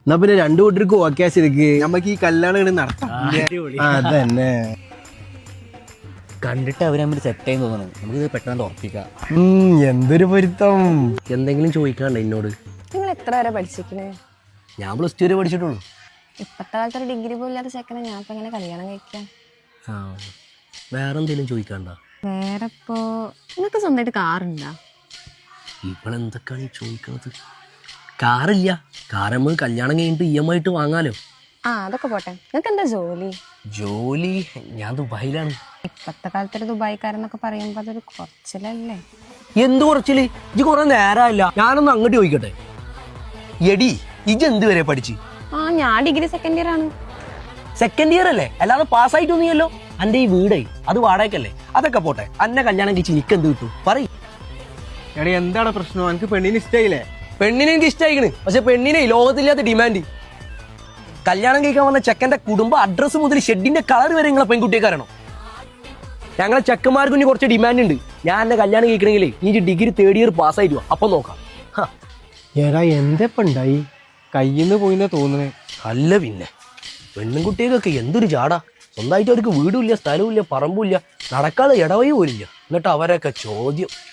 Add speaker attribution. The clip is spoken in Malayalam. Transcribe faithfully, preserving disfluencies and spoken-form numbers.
Speaker 1: എന്നാ പിന്നെ രണ്ടു കൂട്ടർക്ക് ഓക്കെ ശരിക്ക്
Speaker 2: നമുക്ക് ഈ കല്യാണം നടത്താം.
Speaker 1: അതന്നെ
Speaker 3: കണ്ടിട്ട് അവർ തമ്മിൽ സെറ്റ് ആയി തോന്നുന്നു. നമുക്കിത് പെട്ടെന്ന് ഉറപ്പിക്കാം.
Speaker 1: എന്തൊരു പൊരുത്തം.
Speaker 3: എന്തെങ്കിലും ചോദിക്കാണ്ട് എന്നോട്?
Speaker 4: നിങ്ങൾ എത്ര വരെ പഠിച്ചിരിക്കണേ?
Speaker 3: ഞാൻ പ്ലസ് ടു വരെ പഠിച്ചിട്ടുള്ളൂ.
Speaker 4: ഇപ്പത്തെ കാലത്ത് ഒരു ഡിഗ്രി പോലും ഇല്ലാത്ത ചെക്കനെ ഞാൻ ഇപ്പൊ എങ്ങനെ കല്യാണം കഴിക്കാം?
Speaker 3: ആ വേറെ എന്തെങ്കിലും ചോദിക്കാണ്ട?
Speaker 4: വേറെ ഇപ്പോ നിങ്ങൾക്ക് സ്വന്തമായിട്ട് കാറുണ്ടാ?
Speaker 3: ഇവളെന്തൊക്കെയാണ് ഈ ചോദിക്കണത്? കാറില്ല. കാർ നമുക്ക് കല്യാണം കഴിഞ്ഞിട്ട് ഇ എം ഐ ആയിട്ട് വാങ്ങാലോ.
Speaker 4: ആ അതൊക്കെ പോട്ടെ, നിങ്ങൾക്ക് എന്താ ജോലി?
Speaker 3: ജോലി ഞാൻ ദുബായിലാണ്.
Speaker 4: ഇപ്പത്തെ കാലത്ത് ഒരു ദുബായിക്കാരെന്നൊക്കെ പറയുമ്പോ അതൊരു കുറച്ചിലല്ലേ?
Speaker 3: എന്ത് കുറച്ചില്? ഇജ്ജ് കുറെ നേരമല്ല. ഞാനൊന്ന് അങ്ങോട്ട് ചോദിക്കട്ടെ. എടി ഇജ്ജ് എന്ത് വരെ പഠിച്ച്?
Speaker 4: ആ ഞാൻ ഡിഗ്രി സെക്കൻഡ് ഇയർ ആണ്.
Speaker 3: സെക്കൻഡ് ഇയർ അല്ലേ? അല്ലാതെ പാസ്സായിട്ടൊന്നുമല്ലോ. അന്റെ ഈ വീടേ അത് വാടകയ്ക്കല്ലേ? അതൊക്കെ പോട്ടെ. അന്നെ കല്യാണം കഴിച്ച് എനിക്ക് എന്ത് കിട്ടും പറയും?
Speaker 2: എടാ എന്താണ് പ്രശ്നം? എനിക്ക് പെണ്ണിന് ഇഷ്ടമായില്ലേ?
Speaker 3: പെണ്ണിനെ എനിക്ക് ഇഷ്ടമായിക്കണ്. പക്ഷെ പെണ്ണിനെ ലോകത്തില്ലാത്ത ഡിമാൻഡ്. കല്യാണം കഴിക്കാൻ വന്ന ചെക്കന്റെ കുടുംബ അഡ്രസ്സ് മുതൽ ഷെഡിന്റെ കളർ വരെ നിങ്ങളെ പെൺകുട്ടിയെ കാരണം. ഞങ്ങളെ ചെക്കന്മാർക്ക് ഇനി കുറച്ച് ഡിമാൻഡ് ഉണ്ട്. ഞാൻ എന്നെ കല്യാണം കഴിക്കണമെങ്കിലേ നീ ഡിഗ്രി തേർഡ് ഇയർ പാസ്സായിട്ട് വാ, അപ്പൊ നോക്കാം.
Speaker 1: എടാ എന്തെപ്പ ഉണ്ടായി?
Speaker 2: കയ്യിന്ന് പോയിന്നാ തോന്നുന്നേ.
Speaker 3: അല്ല പിന്നെ പെണ്ണുകുട്ടികൾക്കൊക്കെ എന്തൊരു ചാടാ. സ്വന്തമായിട്ട് അവർക്ക് വീടുമില്ല, സ്ഥലവും ഇല്ല, പറമ്പും ഇല്ല, നടക്കാതെ ഇടവയും പോലില്ല. എന്നിട്ട് അവരൊക്കെ ചോദ്യം.